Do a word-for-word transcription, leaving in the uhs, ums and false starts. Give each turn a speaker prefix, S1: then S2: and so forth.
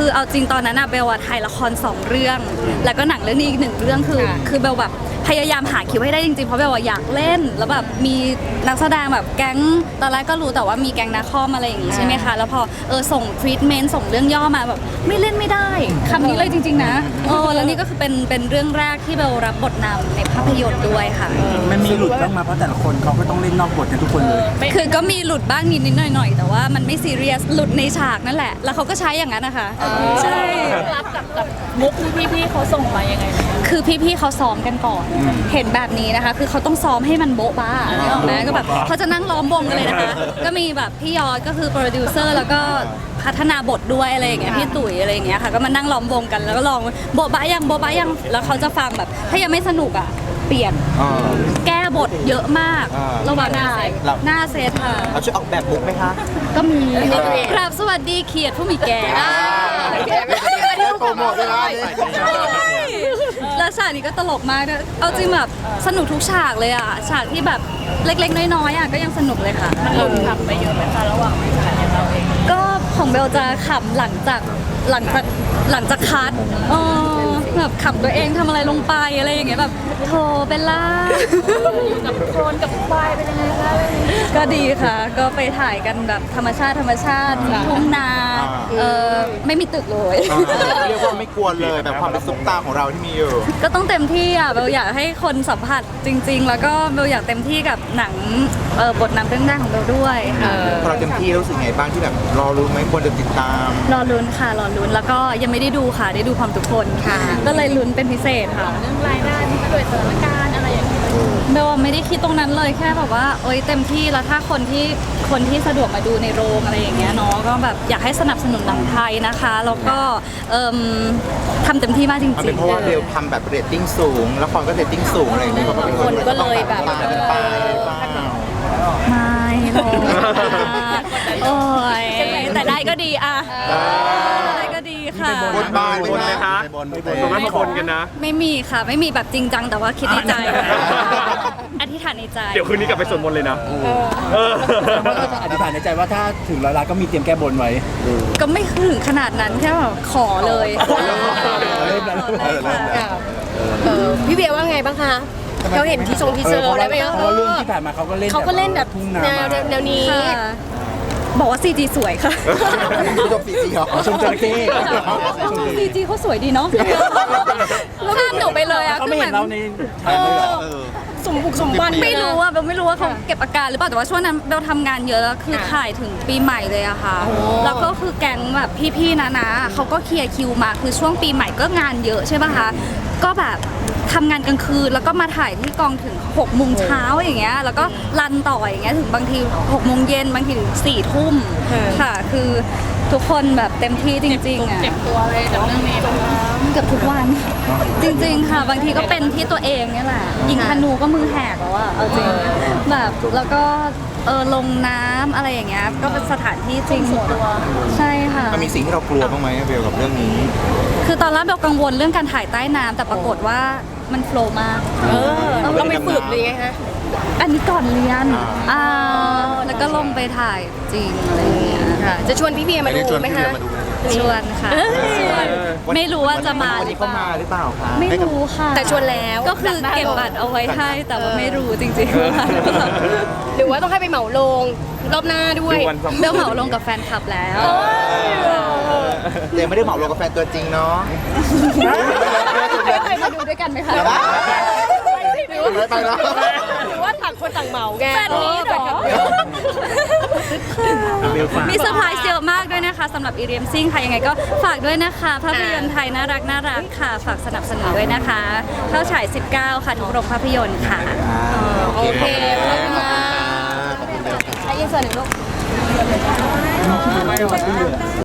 S1: คือเอาจริงตอนนั้นอะเบลอะถ่ายละครสองเรื่อง แล้วก็หนังเรื่องนี้อีกหนึ่งเรื่องคือคือเบลแบบพยายามหาคิวให้ได้จริงๆเพราะเบลอะอยากเล่นแล้วแบบมีนักแสดงแบบแก๊งตอนแรกก็รู้แต่ว่ามีแก๊งนาคอมอะไรอย่างงี้ใช่ไหมคะแล้วพอเออส่งทรีทเมนต์ส่งเรื่องย่อมาแบบไม่เล่นไม่ได้คำนี้เลยจริงๆนะเออแล้วนี่ก็คือเป็นเป็นเรื่องแรกที่เบลรับบทนำในภาพยนตร์ด้วยค่ะ
S2: มันมีหลุดบ้างมาเพราะแต่ละคนเขาก็ต้องเล่นนอกบทกันทุกคนเลย
S1: คือก็มีหลุดบ้างนิดๆหน่อยๆแต่ว่ามันไม่ซีเรียสหลุดในฉากนั่นแหละแล้วเขาก็ใช้อย่างนั้นนะคะใช่
S3: รับกับกับมุกที่พี่ๆเขาส่งมายังไง
S1: คือพี่ๆเขาซ้อมกันก่อนเห็นแบบนี้นะคะคือเขาต้องซ้อมให้มันโบ๊ะบ้านึกออกไหมก็แบบเขาจะนั่งล้อมวงกันเลยนะคะก็มีแบบพี่ยอดก็คือโปรดิวเซอร์แล้วก็พัฒนาบทด้วยอะไรอย่างเงี้ยพี่ตุ๋ยอะไรอย่างเงี้ยค่ะก็มานั่งล้อมวงกันแล้วก็ลองโบ๊ะบ้ายังโบ๊ะบ้ายังแล้วเขาจะฟังแบบถ้ายังไม่สนุกอ่ะเปลี่ยนแก้บทเยอะมากระหว่างถ่ายหน้าเซตค่ะ
S4: เราช่วยออกแบบบุ๊กไหมคะ
S1: ก็มีครับสวัสดีเขียดผู้มีแก่
S4: โปรโมทได้
S1: แล้วฉากนี้ก็ตลกมากนะเอาจริงแบบสนุกทุกฉากเลยอ่ะฉากที่แบบเล็กๆน้อยๆอ่ะก็ยังสนุกเลยค่ะ
S3: มันหลุดขำไปเยอะไหมคะระหว่างไม่ถ่ายเราเอง
S1: ก็ของเบลจะขำหลังจากหลังจากหลังจากคัดเออแบบขำตัวเองทำอะไรลงไปอะไรอย่างเงี้ยแบบโธ่เบลล่า
S3: อยู่กับโคลนกับควายเป็นยังไงคะ
S1: ก็ดีค่ะก็ไปถ่ายกันแบบธรรมชาติธรรมชาติทุ่งนาเออไม่มีตึกเลย
S4: เรียกว่าไม่กลัวเลยแบบความเป็นซุปตาของเราที่มีอยู่
S1: ก็ต้องเต็มที่อ่ะเบลอยากให้คนสัมผัสจริงๆแล้วก็เบลอยากเต็มที่กับหนังเออบทนำเรื่องแรกของเบลด้วย
S4: พอเราเต็มที่รู้สึกไงบ้างที่แบบรอรู้ไหมควรจะติดตาม
S1: รอลุ้นค่ะรอลุ้นแล้วก็ยังไม่ได้ดูค่ะได้ดูความทุกคนค่ะก็เลยลุ้นเป็นพิเศษค่ะ
S3: เรื่องรายได้ที่ด้วยสถานการณ์อะไรอย่างเงี้ย
S1: เบลไม่ได้คิดตรงนั้นเลยแค่แบบว่าเอ้ยเต็มที่แล้วถ้าคนที่คนที่สะดวกมาดูในโรงอะไรอย่างเงี้ยเนาะก็แบบอยากให้สนับสนุนหนังไทยนะคะแล้วก็ทำเต็มที่มากจริงๆ
S4: เป็นเพราะว่าเบลทำแบบเรตติ้งสูงละครก็เรตติ้งสูงอะไรอย่างเงี้ย
S3: คนก็เลยแบบ
S1: ไม่หรอกโอ้ยแต่ได้ก็ดีอะได้ก็ดีค่ะ
S4: บนบาน
S5: บนไหมคะบนส่วนมากมาบนกันนะ
S1: ไม่มีค่ะไม่มีแบบจริงจังแต่ว่าคิดในใจอธิษฐานในใจ
S5: เดี๋ยวคืนนี้กลับไปสวดมนต์เลยนะ
S2: ก็จะอธิษฐานในใจว่าถ้าถึงร้อยล้านก็มีเตรียมแก้บนไว้
S1: ก็ไม่ถึงขนาดนั้นแค่แบบขอเลย
S3: พี่เบียร์ว่าไงบ้างคะเขาเห็นที่ทรงที่เจออะไรไหม
S2: เพราะเรื่องที่ผ่านมาเขาก็เล่น
S3: เขาก็เล่นแบบแนวแนวนี้
S1: บอกว่า ซี จี สวยค่ะ
S4: ชม ซี จี เหรอ
S2: ชมจระเข้
S1: ซี จี เขาสวยดีเนาะข้ามหนูไปเลยอะ
S2: เขาไม่เห็นเราในถ่ายเลย
S3: สมบุกสมบัน
S1: ไม่รู้อะเบลไม่รู้ว่าเขาเก็บอาการหรือเปล่าแต่ว่าช่วงนั้นเบลทำงานเยอะแล้วคือถ่ายถึงปีใหม่เลยอะค่ะแล้วก็คือแก๊งแบบพี่ๆนะนะเขาก็เคลียร์คิวมาคือช่วงปีใหม่ก็งานเยอะใช่ป่ะคะก็แบบทำงานกลางคืนแล้วก็มาถ่ายที่กองถึงหกโมงเช้าอย่างเงี้ยแล้วก็รันต่ออย่างเงี้ยถึงบางทีหกโมงเย็นบางทีถึงสี่ทุ่มค่ะคือทุกคนแบบเต็มที่จริงๆอ่ะ
S3: เจ็บตัวเลยจากเรื่องนี้
S1: เกือบทุกวันจริงๆค่ะบางทีก็เป็นที่ตัวเองนี่แหละยิงธนูก็มือแหกแล้วอะเอาจริงแบบแล้วก็เออลงน้ำอะไรอย่างเงี้ยก็เป็นสถานที่จริงตัวใช่ค่ะ
S4: มันมีสิ่งที่เรากลัวบ้างไหมเบลกับเรื่องนี้
S1: คือตอนแรกเบลกังวลเรื่องการถ่ายใต้น้ำแต่ปรากฏว่ามันโฟล์มาก
S3: เออเราไปฝึกเลยไงฮะ
S1: อันนี้ก่อนเรียนอ่าแล้วก็ลงไปถ่ายจริงอะไรอย่างเงี้ย
S3: ค่ะจะชวนพี่เบียร์มาดูไหมคะ
S1: ชวนค่ะชวนไม่รู้ว่าจะมา
S4: หรือเปล่าหรือเปล่าคะ
S1: ไม่รู้ค่ะ
S3: แต่ชวนแล้ว
S1: ก็คือเก็บบัตรเอาไว้ให้แต่ว่าไม่รู้จริงๆว่า
S3: หรือว่าต้องให้ไปเหมาลงรอบหน้าด้วย
S1: เบลเหมาลงกับแฟนคลับแล้ว
S4: แต่ไม่ได้เหมาลงกับแฟนตัวจริงเนาะ
S1: ใครมาดูด้วยกันไหมคะ
S4: ไปแล้ว
S3: หรือว่าต่างคนต่างเหมาแก
S1: แฟนนี้เหรอมีเซอร์ไพรส์เยอะมากด้วยนะคะสำหรับอีเรียมซิ่งค่ะยังไงก็ฝากด้วยนะคะภาพยนตร์ไทยน่ารักน่ารักค่ะฝากสนับสนุนด้วยนะคะเข้าฉายสิบเก้าค่ะทุกโรงภาพยนตร์ค่ะ
S3: โอเคขอบคุณมากใช้ยินเสิร์ตหนึ่งลูก